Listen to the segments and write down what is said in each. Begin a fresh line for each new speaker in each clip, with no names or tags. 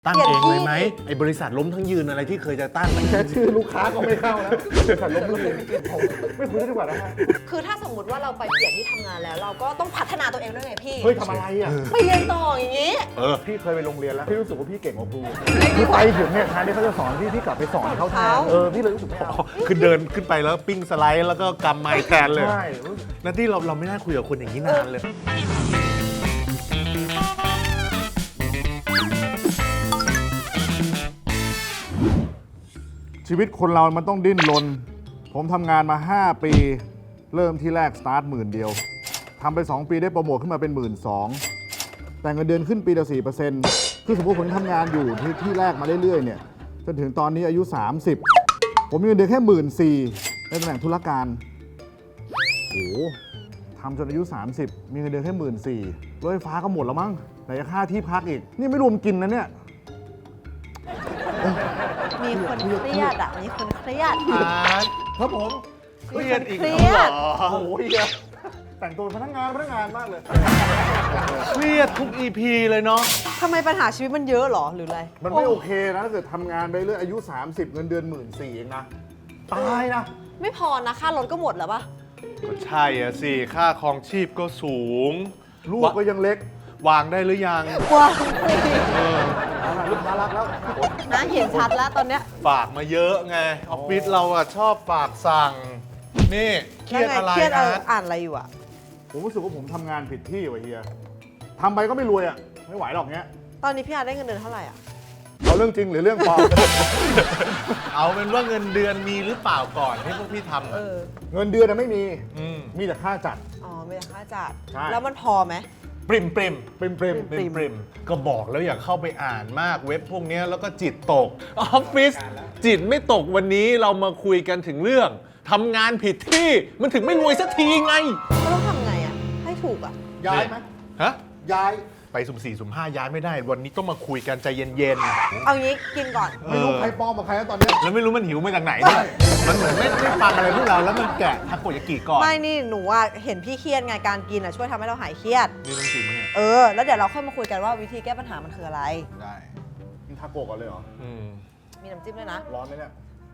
ตั้งเองเลยไหมไอ้บริษัทล้มทั้งยืนอะไรที่เคยจะตั้ง
แค่ชื่อลูกค้าก็ไม่เข้าแล้วบริษัทล้มทั้งยืนไม่คุยได้ดีกว่านะฮะ
คือถ้าสมมติว่าเราไปเปลี่ยนที่ทำงานแล้ว เราก็ต้องพัฒนาตัวเองด้วยไงพี่
เฮ้ยทำอะไรอ่ะ
ไปเรียนต่ออย่างนี้
พี่เคยไปโรงเรียนแล้วพี่รู้สึกว่าพี่เก่งกว่าครูพี่ไปถึงเนี่ยแทนที่เขาจะสอนพี่กลับไปสอนเขาแทนพี่เลยรู้สึกไม่เอา
คือเดินขึ้นไปแล้วปิ้งสไลด์แล้วก็กำไมค์แทนเลย
ใช่
นั่นที่เราไม่น่าคุยกับคนอย่างนี้นานเลย
ชีวิตคนเรามันต้องดิ้นรนผมทำงานมา5ปีเริ่มที่แรกสตาร์ท10,000 เดียวทำไป2ปีได้โปรโมทขึ้นมาเป็น 12,000 แต่เงินเดือนขึ้นปีละ 4% คือสมมติผมทำงานอยู่ที่แรกมาเรื่อยๆเนี่ยจนถึงตอนนี้อายุ30ผมมีเงินเดือนแค่14,000ในตำแหน่งธุรการโอ้โหทำจนอายุ30มีเงินเดือนแค่14,000รถไฟฟ้าก็หมดแล้วมั้งไหนจะค่าที่พักอีกนี่ไม่รวมกินนะเนี่ย
มีคนเครียดอ่ะมีคนเครียด
ครับผม
เครียดอีก
เครี
แล้ว
ยด
เหรอ
โอ้โหแต่งตัวพนักงานมากเลย
เครียดทุก EP เลยเนาะ
ทำไมปัญหาชีวิตมันเยอะหรอหรืออะไร
มันไม่โอเคนะถ้าเกิดทำงานไปเรื่อยอายุ30เงินเดือน14,000เองนะตายนะ
ไม่พอนะค่ารถก็หมดแล้วปะ
ก็ใช่อะสิค่าครองชีพก็สูง
ลูกก็ยังเล็ก
วางได้หรือยัง
ว้าว
ลูกน่ารักแล้ว
นะเห็นชัดแล้วตอนเนี้ย
ฝากมาเยอะไงออฟฟิศเราอะชอบฝากสั่งนี่เครียดอะไร
เครียด
นะ
อ่านอะไรอยู่อ่ะ
ผมรู้สึกว่าผมทำงานผิดที่ว่ะเฮียทำไปก็ไม่รวยอ่ะไม่ไหวหรอกเนี้ย
ตอนนี้พี่อาร์ได้เงินเดือนเท่าไหร่อ่ะ
เอาเรื่องจริงหรือเรื่องปลอม
เอาเป็นว่าเงินเดือนมีหรือเปล่าก่อนที่พวกพี่ทำ
เอ
อะ
อ
เงินเดือนไม่มี
ม
มีแต่ค่าจัด
อ๋อไม่ได้ค่าจัด
ใช่
แล้วมันพอไหม
ปริม
เปรม
ปริมก็บอกแล้วอย่าเข้าไปอ่านมากเว็บพวกเนี้ยแล้วก็จิตตกออฟฟิศจิตไม่ตกวันนี้เรามาคุยกันถึงเรื่องทำงานผิดที่มันถึงไม่รวยสักทีไง
ก็ต้องทำไงอ่ะให้ถูกอ่ะ
ย้ายไหม
ฮะ
ย้าย
ไปสุ่ม4สุ่ม5ย้ายไม่ได้ วันนี้ต้องมาคุยกันใจเย็น
เอางี้กินก่อน
ไม่รู้ใครปลอมกับใครแล้วตอนเนี้ย
ๆแล้วไม่รู้มันหิวมาจากไหนเนี่ยมันเหมือนไม่ฟังอะไรพวกเราแล้วมันแกะทาโกยากิก่อน
ไม่นี่หนูอ่ะเห็นพี่เครียดไงการกินอ่ะช่วยทำให้เราหายเครียด
นี่ต้องจริงไหมเนี่ย
แล้วเดี๋ยวเราค่อยมาคุยกันว่าวิธีแก้ปัญหามันคืออะไร
ได้
กินทาโกะก่อนเลยเหรอ
อืม
มีน้ำจิ้มด้วยนะ
ร้อนไหมเนี่ย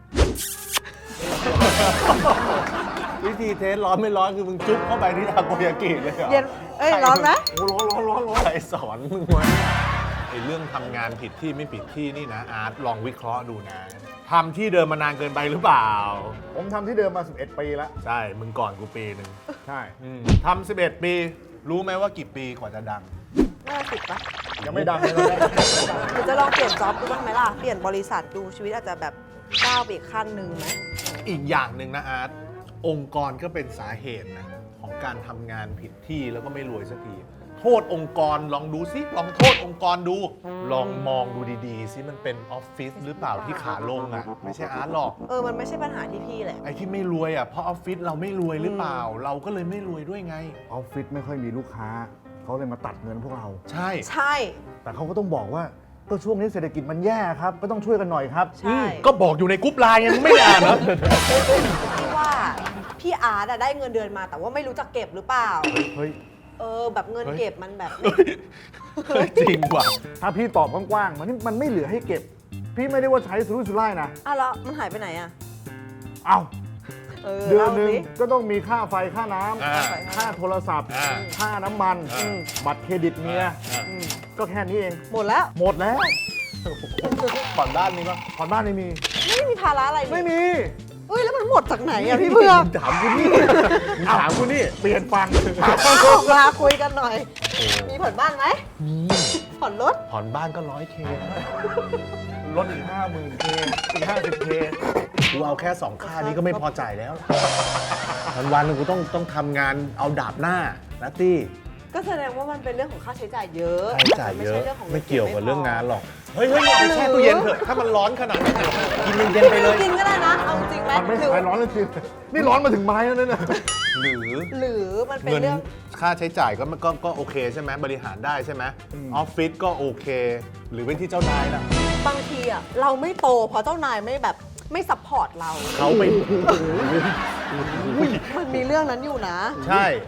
วิธีเทสร้อนไม่ร้อนคือมึงจุ๊บเข้าไปที่ทาโกยากิเลยเหรอ
เย็น ร้อนไหม
โอ้ร้อน
ใครสอนมึงวะไอ้เรื่องทำงานผิดที่ไม่ผิดที่นี่นะอาร์ตลองวิเคราะห์ดูนะทำที่เดิมมานานเกินไปหรือเปล่า
ผมทำที่เดิมมา11 ปีแล้ว
ใช่ มึงก่อนกูปีหนึ่ง
ใช่
ทำ11 ปี รู้ไหมว่ากี่ปีกว่าจะดัง
น่าสิบปะ
ยังไม่ดังเลยตอนแรก
หรือจะลองเปลี่ยนจ็อบดูบ้างไหมล่ะ เปลี่ยนบริษัทดูชีวิตอาจจะแบบก้าวไปอีกขั้นหนึ่งไหม
อีกอย่างหนึ่งนะอาร์ตองค์กรก็เป็นสาเหตุนะของการทำงานผิดที่แล้วก็ไม่รวยสักที โทษองค์กรลองดูซิลองโทษองค์กรดู ลองมองดูดีๆซิมันเป็นออฟฟิศหรือเปล่าที่ขาลงอ่ะไม่ใช่อาร์ตหรอก
มันไม่ใช่ปัญหาที่พี่แหละ
ไอ้ที่ไม่รวยอ่ะเพราะออฟฟิศเราไม่รวยหรือเปล่า เราก็เลยไม่รวยด้วยไง
ออฟฟิศไม่ค่อยมีลูกค้า เขาเลยมาตัดเงินพวกเรา
ใช่
ใช่
แต่เขาก็ต้องบอกว่าก็ช่วงนี้เศรษฐกิจมันแย่ครับ ก็ต้องช่วยกันหน่อยครับ
ใช่
ก็บอกอยู่ในกรุ๊ปไลน์ไงมึงไม่ได้อ่านเหรอ
พี่ว่าพี่อาร์ตอะได้เงินเดือนมา แต่ว่าไม่รู้จักเก็บหรือเปล่า
เฮ้ย
แบบเงินเก็บมันแบบ
เฮ้ยจริงว่ะ
ถ้าพี่ตอบกว้างๆมันไม่เหลือให้เก็บ พี่ไม่ได้ว่าใช้สุรุ่ยสุร่ายนะ
แล้วมันหายไปไหนอะ
เอ้าเดือนหนึ่ง
ล่าสิ
ก็ต้องมีค่าไฟค่าน้
อ่า
ำค่าโทรศัพท์
อ่า
ค่าน้ำมัน
อืม
บัตรเครดิตเมีย
อืม
ก็แค่นี้เอง
หมดแล้ว
หมดแล้ว
ผ่อนบ้านมีปะ
ผ่อนบ้านไม่มี
ไม่มีภาระอะไรนี่
ไม่มี
แล้วมันหมดจากไหนอะพี่เพื่อก
ถามกูนี่ถามกูนี่ เปลี่ยนฟัง
มาคุยกันหน่อย มีผ่อนบ้านไหม
มี
ผ่อนรถ
ผ่อนบ้านก็100K
ลดอีก50,000K อีก50K
กูเอาแค่ 2 ค่านี้ก็ไม่พอจ่ายแล้ววันๆกูต้องทำงานเอาดาบหน้านะตี้
ก็แสดงว่ามันเป็นเรื่องของค่าใช้จ่ายเยอะ
ค่าใช้จ่ายเยอะ
ไม่ใช่เรื่องของ
ไม่เกี่ยวกับเรื่องงานหรอก
ไ
เฮ้ยเอาแช่ตู้เย็นเถอะถ้ามันร้อนขนาดนั้นน่ะกินเย็นๆไปเลย
กินก็ได้นะ เอาจริงไหม
มันไม่หายร้อนเลยจริงนี่ร้อนมาถึงไม้แล้วเนี่ย
หรือ
หรือมันเป็น
เงิน
เรื่อง
ค่าใช้จ่ายก็โอเคใช่ไหมบริหารได้ใช่ไหมออฟฟิศก็โอเค หรือเป็นที่เจ้านายล่ะ
บางทีอะเราไม่โตเพราะเจ้านายไม่แบบไม่ซัพพอร์ตเรา
เขาไป
มันมีเรื่องนั้นอยู่นะ
ใช่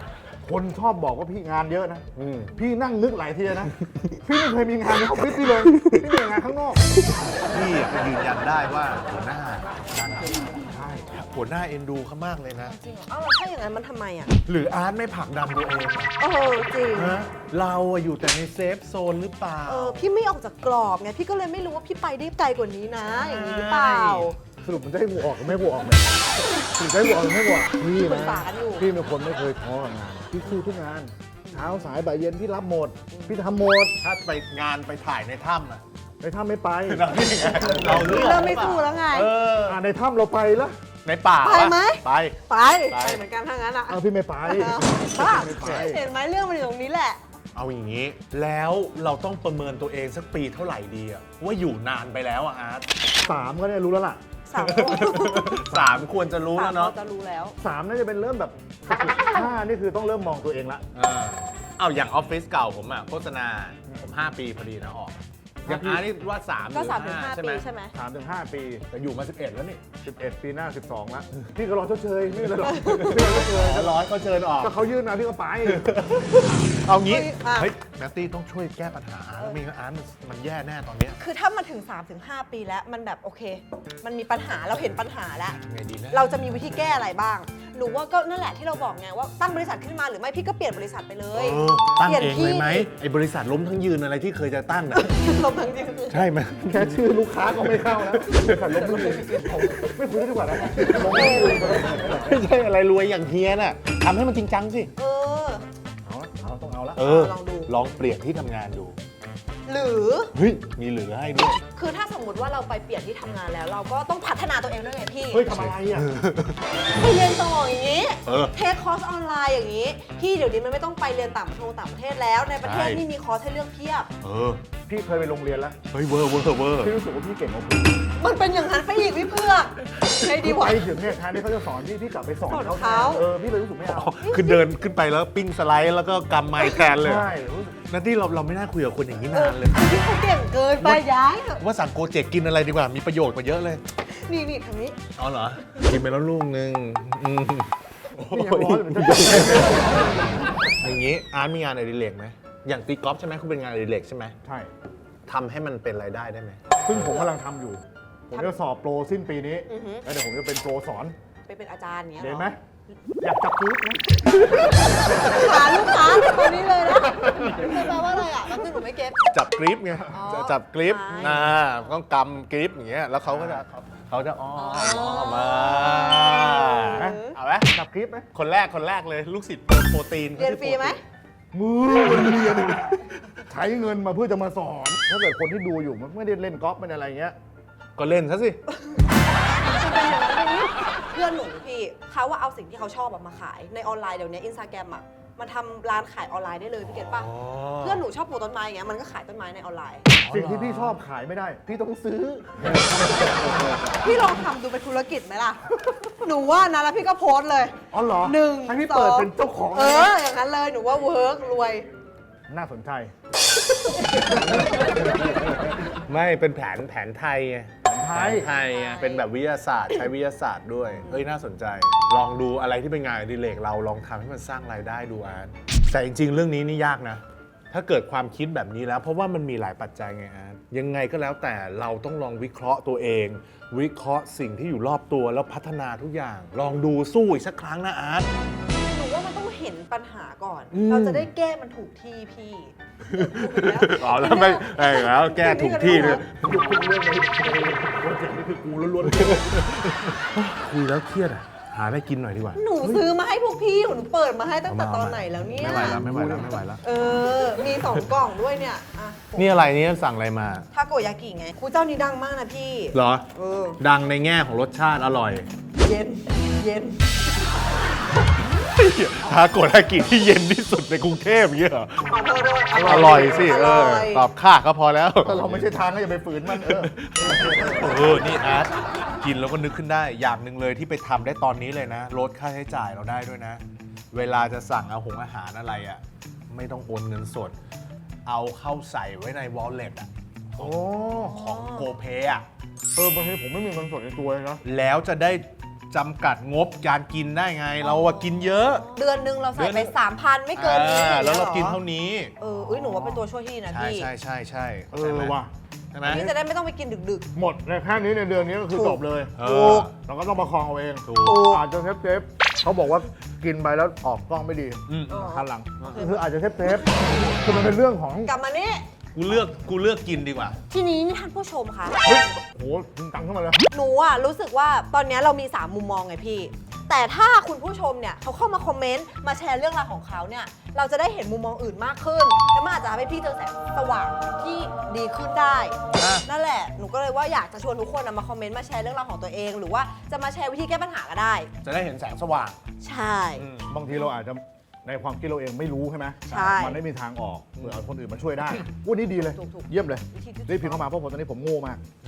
คนชอบบอกว่าพี่งานเยอะนะ
อืม
พี่นั่งนึกหลายทีนะ พี่ไม่เคยมีงานในออฟฟิศพี่เลย พี่มีงานข้างนอก
พี่ก็ยืนยันได้ว่าหัวหน้าใช่หัวหน้าเอ็นดูเขามากเลยนะ
จริงเหรอเอ้าแล้วถ้าอย่างนั้นมันทำไมอ่ะ
หรืออาร์ตไม่ผลักดันตัวเองอะ
เออจริง
ฮะเราอะอยู่แต่ในเซฟโซนหรือเปล่า
พี่ไม่ออกจากกรอบไง พี่ก็เลยไม่รู้ว่าพี่ไปได้ไกลกว่านี้นะ อย่างนี้หรือเปล่า
สรุปมันจะให้กูออกหรือไม่ให้กูออกเนี่ยสรุปจะให้กูออกหรือไม่ให้กูออกพี่
ปรึกษา
นะ
กันอยู่
พี่เป็นคนไม่เคยท้อกับงาน พี่สู้ทุกงาน เช้าสายบ่ายเย็นพี่รับหมด พี่ทำหมด
ถ้าไปงานไปถ่ายในถ้ำอะ
ในถ้ำไม่ไป
เรานี่ไงเราเลือก
เริ่มไม่สู้แล้วไง
เออ
ในถ้ำเราไปแล้ว
ในป่า
ไปไหม
ไป
ไป
ไป
ไปเหมือนกันถ้างั้นอ่ะ
เอาพี่ไม่ไป
บ้า
ไม่ไป
เห็นไหมเรื่องมันอยู่ตรงนี้แหละ
เอาอย่างนี้ แล้วเราต้องประเมินตัวเองสักปีเท่าไหร่ดีอะว่าอยู่นานไปแล้วอะอาร์ต
3 ก็เนี่ยรู้แล้วล่ะ
สาม
3 ควรจะรู้แล้วเนาะ
จะรู้แล้ว
3 น่าจะเป็นเริ่มแบบ5นี่คือต้องเริ่มมองตัวเองละ
เอาอย่างออฟฟิศเก่าผมอะโฆษณาผม 5 ปีพอดีนะออกอย่างอาร์ตนี่ว่า3ห
ก็
รือ
3 ถึง
5
5
ใช่
ปี
ไหม
ใช่ไหม
3 ถึง 5 ปี
แต่อยู่มา 11 แล้วนี่
11 ปีหน้า 12แล้วพี่ก็รอชดเชยไม่เป็นไรหรอกพี่รอชดเชย
ร้อยก็เชิญออก
ก็เขายื่นมาพี่ก็ไป
เอางี้
อ่ะ
เฮ้ยแมตตี้ต้องช่วยแก้ปัญหาแล้วไม่งั้นอาร์ตมันแย่แน่ตอนเนี้ย
คือถ้ามันถึง 3 ถึง 5 ปีแล้วมันแบบโอเค มันมีปัญหาเราเห็นปัญหาแล้ว
ไงดีนะ
เราจะมีวิธีแก้อะไรบ้าง หนูว่าก็นั่นแหละที่เราบอกไงว่าตั้งบริษัทขึ้นมาหรือไม่พี่ก็เปลี่ยนบริษัทไปเลย
ตั้ง
ปลี่ยน
เองเลยไหมไอ้บริษัทล้มทั้งยืนอะไรที่เคยจะตั้งน่ะ
ลมทั้งจริงคือ
ใช่ไหม
แค่ชื่อลูกค้าก็ไม่เข้าแล้วขันลบมือไม่คุยดีกว่านะ
ไม่ใช่อะไรรวยอย่างเฮียน่ะทำให้มันจริงจังสิ
เออ
เอาต้องเอาละ
ลองดู
ลองเปลี่ยนที่ทำงานดู
หรือ
เฮ้ย มีเหลือให้ด้วย
คือถ้าสมมติว่าเราไปเปลี่ยนที่ทำงานแล้ว เราก็ต้องพัฒนาตัวเองด้วยไงพี่
เฮ้ยทำอะไรอ่ะ
ไปเรียนต่ออย่างนี้
เออ
เทคคอร์สออนไลน์อย่างนี้ พี่เดี๋ยวนี้มันไม่ต้องไปเรียนต่างประเทศแล้ว ในประเทศ
ใช่
นี่มีคอร์สให้เลือกเพียบ
เออ
พี่เคยไปโรงเรียนแล้ว
เฮ้ยเวอร์เวอร์เวอร์
พี่รู้สึกว่าพี่เก่งกว่าพี่
มันเป็นอย่างนั้นไปอีกพี่เพื่อกใช่ดีวะ
ไปถึงเนี่ยแทนที่เขาจะสอนพี่กลับไปสอน
สอน
เขา
เขา
พี่เลยรู้สึกไม่เอา
คือเดินขึ้นไปแล้วปิ้งสไลด์แล้วก็กำไมค์แทนเลย
ใช่รู้สึก
นั่นที่เราไม่น่าคุยกับคนอย่างนี้นานเลย
พี่เขาเก่งเกินไปย้ายเถอะ
ว่าสั่งโกเจกกินอะไรดีกว่า มีประโยชน์กว่าเยอะเลย
นี่ทางนี้
อ๋อเหรอ กินไปแล้วลูกนึงอืม
พี่ยังร้อนเหมือนกัน
อย่างนี้อาร์ตมีงานอดิเรกไหม อย่างตีกอล์ฟใช่ไหมคุณเป็นงานอดิเรกใช่ไหม
ใช่
ทำให้มันเป็นรายได้ได้ไหม
ซึ่งผมกำลังทำอยู่ ผมจะสอบโปรสิ้นปีนี้
อือฮึ
แล้วเดี๋ยวผมจะเป็นโปรสอน
ไปเป็นอาจารย์เนี้ย
เห็น
รอ
ไหมอยากจับพื้นไหม
หาลูกค้าตอนนี้เลยนะคือแปลว่าอะไรอ่ะแป๊บนึงหนูไม่เก็ต
จับกริปไง
อ๋อ
จะจับกริป
ใช่
ต้องกำกริปอย่างเงี้ย แล้วเขาก็จะอ้อมมา เอาไหม
จับคลิปไหม
คนแรกเลย ลูกศิษย์โปรตีน
เรียนฟรีไหม
มือเรียนใช้เงินมาเพื่อจะมาสอน ถ้าเกิดคนที่ดูอยู่มันไม่ได้เล่นกอล์ฟไม่ได้อะไรเงี้ย
ก็เล่นซะสิ
เพื่อนหนูพี่เขาว่าเอาสิ่งที่เขาชอบอะมาขายในออนไลน์เดี๋ยวนี้อินสตาแกรมอะมันทำร้านขายออนไลน์ได้เลยพี่เก็ตป่ะ เพื่อนหนูชอบปลูกต้นไม้อย่างเงี้ยมันก็ขายต้นไม้ในออนไลน์
สิ่งที่พี่ชอบขายไม่ได้ พี่ต้องซื้อ
พี่ลองทำดูเป็นธุรกิจไหมล่ะ หนูว่านะแล้วพี่ก็โพสต์เลย
อ๋อเหรอ
หนึ่ง
ให้พี่
สอง
เปิดเป็นเจ้าของ
เออ อย่างนั้นเลยหนูว่าเวิร์กรวย
น่าสนใจ
ไม่เป็นแผนไทยไง
ไท
แผ
ย
นไทยไงเป็นแบบวิทยาศาสตร์ ใช้วิทยาศาสตร์ด้วย เฮ้ย น่าสนใจ ลองดูอะไรที่เป็นงานอดิเรกเราลองทำให้มันสร้างรายได้ดูอาร์ตแต่จริงๆ เรื่องนี้นี่ยากนะ ถ้าเกิดความคิดแบบนี้แล้ว เพราะว่ามันมีหลายปัจจัยไงอาร์ตยังไงก็แล้วแต่เราต้องลองวิเคราะห์ตัวเอง วิเคราะห์สิ่งที่อยู่รอบตัวแล้วพัฒนาทุกอย่าง ลองดูสู้อีกสักครั้งนะอาร์ต
หนูว่ามันต้องเห็นปัญหาก่อน
อืม
เราจะได้แก้มันถูกที่พี่
อ๋อแล้วไม่แล้วแก้ถูกที่เลย
หยุดพูดเรื่องนี้โปรเจกต์นี้คือกูล้วน
คุยแล้วเครียดอ่ะ หาอะไรกินหน่อยดีกว่า
หนูซื้อมาให้พวกพี่หนูเปิดมาให้ตั้งแต่ตอนไหนแล้วเนี่ย
ไม่ไหวแล้วไม่ไหวแล้วไม่ไหวแล้ว
เออ มี2 กล่องด้วยเนี่ยอ่ะ
นี่อะไรนี่สั่งอะไรมา
ทาโกยากิไงครูเจ้านี้ดังมากนะพี่
เหรอ
เออ
ดังในแง่ของรสชาติอร่อย
เย็น เย็น
ทาโกยากิที่เย็นที่สุดในกรุงเทพอย่างเงี้ยเหรอ
ขอโทษด้วย
อร่อยสิ
อร่อย
ตอบค่าก็พอแล้ว
ๆถ้าเราไม่ใช่ทางก็อย่าไปฝืนมัน
นี่อาร์ตกินแล้วก็นึกขึ้นได้ อย่างหนึ่งเลยที่ไปทำได้ตอนนี้เลยนะ ลดค่าใช้จ่ายเราได้ด้วยนะ เวลาจะสั่งอาหารอะไรอ่ะ ไม่ต้องโอนเงินสด เอาเข้าใส่ไว้ใน wallet อ่ะ
โอ้
ของโกเพอ่ะ
บางทีผมไม่มีเงินสดในตัวเลยนะ
แล้วจะได้จำกัดงบการกินได้ไง เราอะกินเยอะ
เดือนนึงเราใส่ไป 3,000 ไม่เกินนี้
แล้วเรา
อย่ง
กิน
งี้ยหรอ
เท่านี้
หนูว่าเป็นตัวช่วยที่ดีนะ
ใช่
พี่
ใช่ใช่ใช่
ว่ะ
ใช่ไหม
พี่จะได้ไม่ต้องไปกินดึก
หมดในแค่นี้ในเดือนนี้ก็คือ
ถูก
จบเลย
เอ
ถู
อก
เราก็ต้องประคองเอาเอง
ถู
ถู
ก
ก
อาจจะเซฟเขาบอกว่ากินไปแล้วออกกล้องไม่ดี
อืม
คันหลังคืออาจจะเซฟคือมันเป็นเรื่องของ
กลับมานี่
กูเลือกกินดีกว่า
ทีนี้นี่ท่านผู้ชมคะ
เฮ้ยโหจริงจังขึ้นมาเลย
หนูอะรู้สึกว่าตอนนี้เรามี 3 มุมมองไงพี่ แต่ถ้าคุณผู้ชมเนี่ยเขาเข้ามาคอมเมนต์มาแชร์เรื่องราวของเขาเนี่ยเราจะได้เห็นมุมมองอื่นมากขึ้นแล้วมันอาจจะทำให้พี่เจอแสงสว่างที่ดีขึ้นได้
อ่ะ
นั่นแหละหนูก็เลยว่าอยากจะชวนทุกคนมาคอมเมนต์มาแชร์เรื่องราวของตัวเอง หรือว่าจะมาแชร์วิธีแก้ปัญหาก็ได้
จะได้เห็นแสงสว่าง
ใช่
บางทีเราอาจจะในความคิดเราเองไม่รู้ใช่ไหม
ใช่
มันไม่มีทางออกเผื่อเอาคนอื่นมาช่วยได้วันนี้ดีเลย
ถูกๆ
เยี่ยมเลย
วิธีที่
รีบพิมพ์เข้ามาเพราะผมตอนนี้ผมโง่มาก